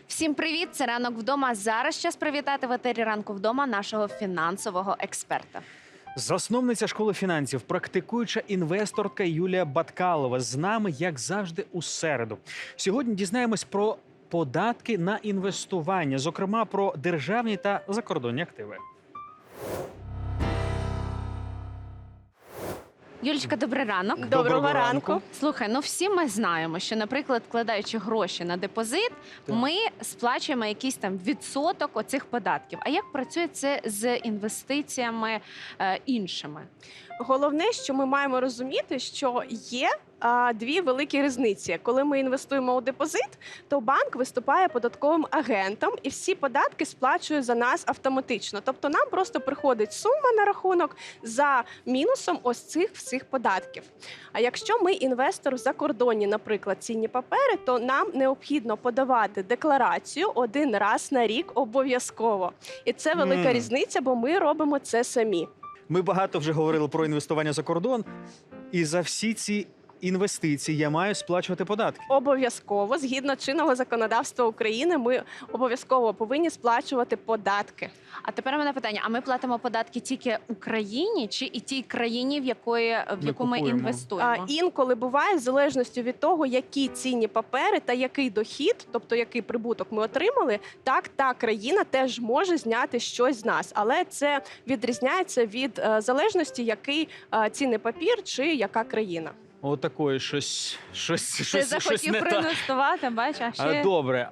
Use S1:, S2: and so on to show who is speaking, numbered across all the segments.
S1: Всім привіт! Це «Ранок вдома». Зараз час привітати в етері «Ранку вдома» нашого фінансового експерта.
S2: Засновниця школи фінансів, практикуюча інвесторка Юлія Баткалова з нами, як завжди, у середу. Сьогодні дізнаємось про податки на інвестування, зокрема про державні та закордонні активи.
S1: Юлічка, добрий ранок.
S2: Доброго ранку.
S1: Слухай, всі ми знаємо, що, наприклад, вкладаючи гроші на депозит, ми сплачуємо якийсь там відсоток оцих податків. А як працює це з інвестиціями іншими?
S3: Головне, що ми маємо розуміти, що є дві великі різниці. Коли ми інвестуємо у депозит, то банк виступає податковим агентом і всі податки сплачує за нас автоматично. Тобто нам просто приходить сума на рахунок за мінусом ось цих всіх податків. А якщо ми інвестор в закордонні, наприклад, цінні папери, то нам необхідно подавати декларацію один раз на рік обов'язково. І це велика різниця, бо ми робимо це самі.
S2: Ми багато вже говорили про інвестування за кордон, і за всі ці інвестиції я маю сплачувати податки.
S3: Обов'язково, згідно чинного законодавства України, ми обов'язково повинні сплачувати податки.
S1: А тепер у мене питання, а ми платимо податки тільки Україні чи і тій країні, в яку ми
S2: купуємо?
S1: інвестуємо?
S3: Інколи буває, в залежності від того, які цінні папери та який дохід, тобто який прибуток ми отримали, так та країна теж може зняти щось з нас. Але це відрізняється від залежності, який цінний папір чи яка країна.
S2: Отакої щось
S1: Ти захотів
S2: не так.
S1: проінвестувати, бачиш, а ще...
S2: Добре,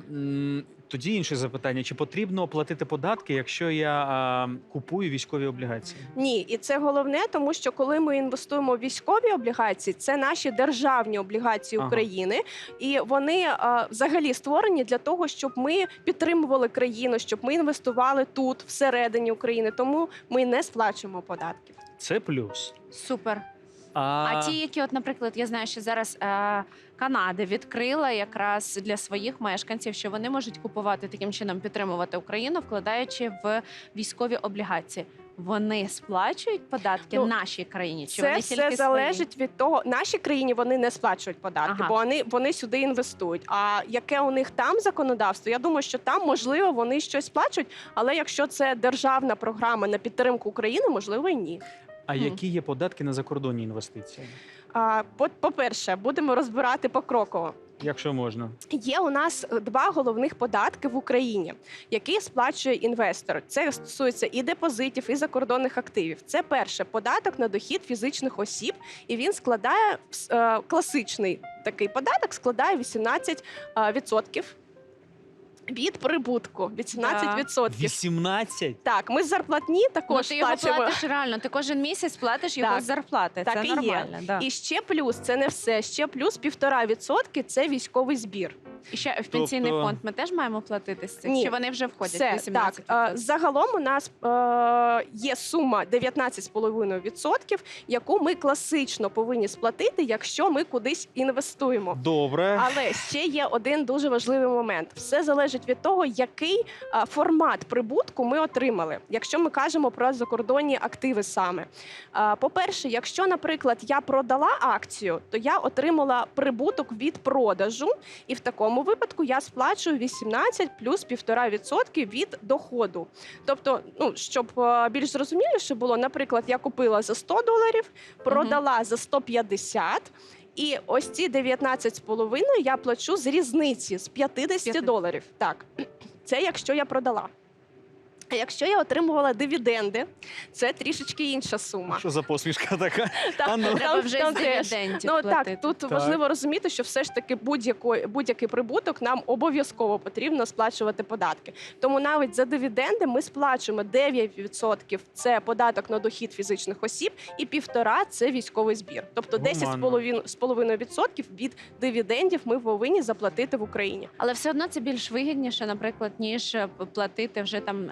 S2: тоді інше запитання. Чи потрібно платити податки, якщо я купую військові облігації?
S3: Ні, і це головне, тому що коли ми інвестуємо в військові облігації, це наші державні облігації України, і вони взагалі створені для того, щоб ми підтримували країну, щоб ми інвестували тут, всередині України, тому ми не сплачуємо податків.
S2: Це плюс.
S1: Супер. А ті, які, наприклад, я знаю, що зараз Канада відкрила якраз для своїх мешканців, що вони можуть купувати таким чином, підтримувати Україну, вкладаючи в військові облігації. Вони сплачують податки нашій країні? Чи вони тільки
S3: все залежить від того, нашій країні вони не сплачують податки, бо вони сюди інвестують. А яке у них там законодавство? Я думаю, що там, можливо, вони щось сплачують, але якщо це державна програма на підтримку України, можливо, і ні.
S2: А які є податки на закордонні інвестиції?
S3: По-перше, будемо розбирати покроково.
S2: Якщо можна.
S3: Є у нас два головних податки в Україні, які сплачує інвестор. Це стосується і депозитів, і закордонних активів. Це перше – податок на дохід фізичних осіб, і він складає, класичний такий податок складає 18% від прибутку. 18%.
S2: 18?
S3: Так, ми з зарплатні також
S1: ти його
S3: сплачуємо.
S1: платиш реально, ти кожен місяць платиш його з зарплати.
S3: Так
S1: це
S3: і є.
S1: нормально. Да.
S3: І ще плюс, це не все, ще плюс 1,5% – це військовий збір.
S1: І ще в пенсійний фонд ми теж маємо платити з цих?
S3: Ні.
S1: Чи вони вже входять?
S3: Все,
S1: 18%?
S3: так. Загалом у нас є сума 19,5%, яку ми класично повинні сплатити, якщо ми кудись інвестуємо.
S2: Добре.
S3: Але ще є один дуже важливий момент. Все залежить від того, який формат прибутку ми отримали, якщо ми кажемо про закордонні активи саме. По-перше, якщо, наприклад, я продала акцію, то я отримала прибуток від продажу, і в такому випадку я сплачую 18 плюс 1,5% від доходу. Тобто, щоб більш зрозуміліше було, наприклад, я купила за $100, продала за 150, і ось ці 19,5 я плачу з різниці, з $50. Так, це якщо я продала. А якщо я отримувала дивіденди, це трішечки інша сума.
S2: Що за посмішка така?
S1: Треба вже з дивідендів платити.
S3: Так, тут важливо розуміти, що все ж таки будь-який прибуток нам обов'язково потрібно сплачувати податки. Тому навіть за дивіденди ми сплачуємо 9% – це податок на дохід фізичних осіб, і 1,5% – це військовий збір. Тобто 10,5% від дивідендів ми повинні заплатити в Україні.
S1: Але все одно це більш вигідніше, наприклад, ніж платити вже там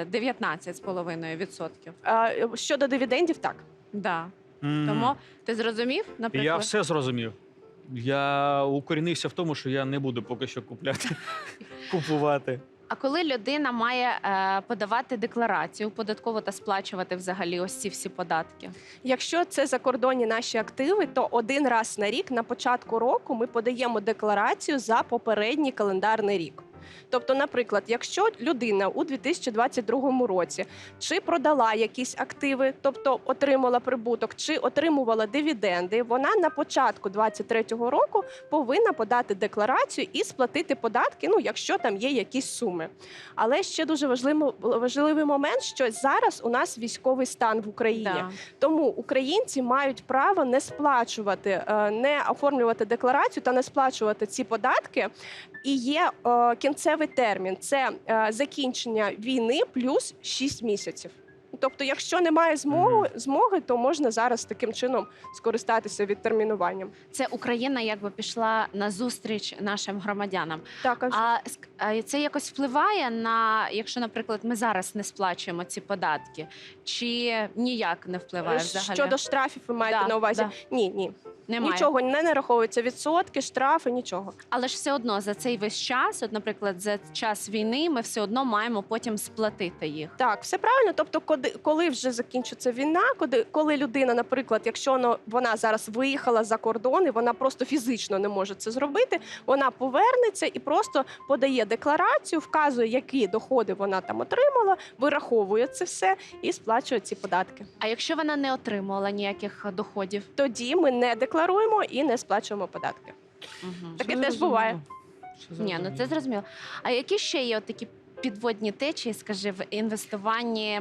S1: 19,5%.
S3: Щодо дивідендів, так.
S1: Да. Тому ти зрозумів, наприклад?
S2: Я все зрозумів. Я укорінився в тому, що я не буду поки що купувати.
S1: А коли людина має подавати декларацію податкову та сплачувати взагалі ось ці всі податки?
S3: Якщо це закордонні наші активи, то один раз на рік на початку року ми подаємо декларацію за попередній календарний рік. Тобто, наприклад, якщо людина у 2022 році чи продала якісь активи, тобто отримала прибуток, чи отримувала дивіденди, вона на початку 2023 року повинна подати декларацію і сплатити податки, ну, якщо там є якісь суми. Але ще дуже важливий момент, що зараз у нас військовий стан в Україні.
S1: Да.
S3: Тому українці мають право не сплачувати, не оформлювати декларацію та не сплачувати ці податки. І є кінцевий термін – це закінчення війни плюс 6 місяців. Тобто, якщо немає змоги, то можна зараз таким чином скористатися відтермінуванням.
S1: Це Україна якби пішла на зустріч нашим громадянам.
S3: Так,
S1: А це якось впливає на, якщо, наприклад, ми зараз не сплачуємо ці податки, чи ніяк не впливає взагалі?
S3: Щодо штрафів ви маєте
S1: Да,
S3: на увазі?
S1: да.
S3: Ні.
S1: Немає.
S3: Нічого не нараховується, відсотки, штрафи, нічого.
S1: Але ж все одно за цей весь час, от, наприклад, за час війни, ми все одно маємо потім сплатити їх.
S3: Так, все правильно. Тобто, коли вже закінчиться війна, коли людина, наприклад, якщо вона зараз виїхала за кордон і вона просто фізично не може це зробити, вона повернеться і просто подає декларацію, вказує, які доходи вона там отримала, вираховує це все і сплачує ці податки.
S1: А якщо вона не отримувала ніяких доходів?
S3: Тоді ми не декларуємо і не сплачуємо податки.
S1: Угу.
S3: Таке теж буває.
S1: Ні, ну це зрозуміло. А які ще є от такі підводні течії, скажи, в інвестуванні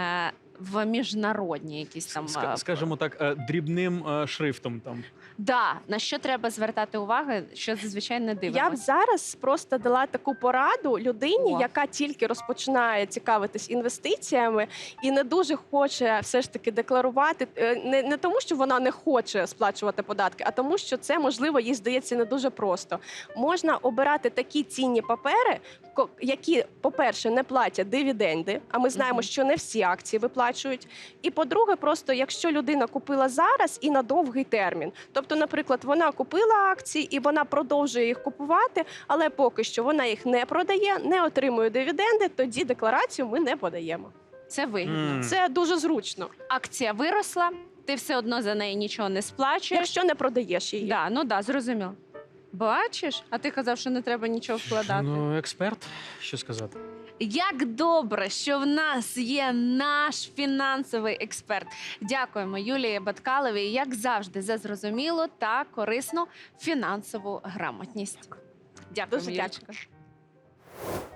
S1: в міжнародні якісь там
S2: Скажімо так, дрібним шрифтом там.
S1: Да, на що треба звертати увагу, що зазвичай не
S3: Я б
S1: дивимося?
S3: зараз просто дала таку пораду людині,
S1: О.
S3: яка тільки розпочинає цікавитись інвестиціями і не дуже хоче все ж таки декларувати. Не тому, що вона не хоче сплачувати податки, а тому, що це, можливо, їй здається не дуже просто. Можна обирати такі цінні папери, які, по-перше, не платять дивіденди, а ми знаємо,
S1: Мгм.
S3: що не всі акції виплачують. І по-друге, просто якщо людина купила зараз і на довгий термін. Тобто, наприклад, вона купила акції і вона продовжує їх купувати, але поки що вона їх не продає, не отримує дивіденди, тоді декларацію ми не подаємо.
S1: Це вигідно.
S3: Це дуже зручно,
S1: Акція виросла, ти все одно за неї нічого не сплачуєш.
S3: якщо не продаєш її.
S1: Да, ну да, зрозуміло. Бачиш? А ти казав, що не треба нічого вкладати.
S2: Ну, експерт, що сказати?
S1: Як добре, що в нас є наш фінансовий експерт. Дякуємо Юлії Баткаловій, як завжди, за зрозумілу та корисну фінансову грамотність. Дякуємо,
S3: Дуже
S1: Юлічка.
S3: дякую.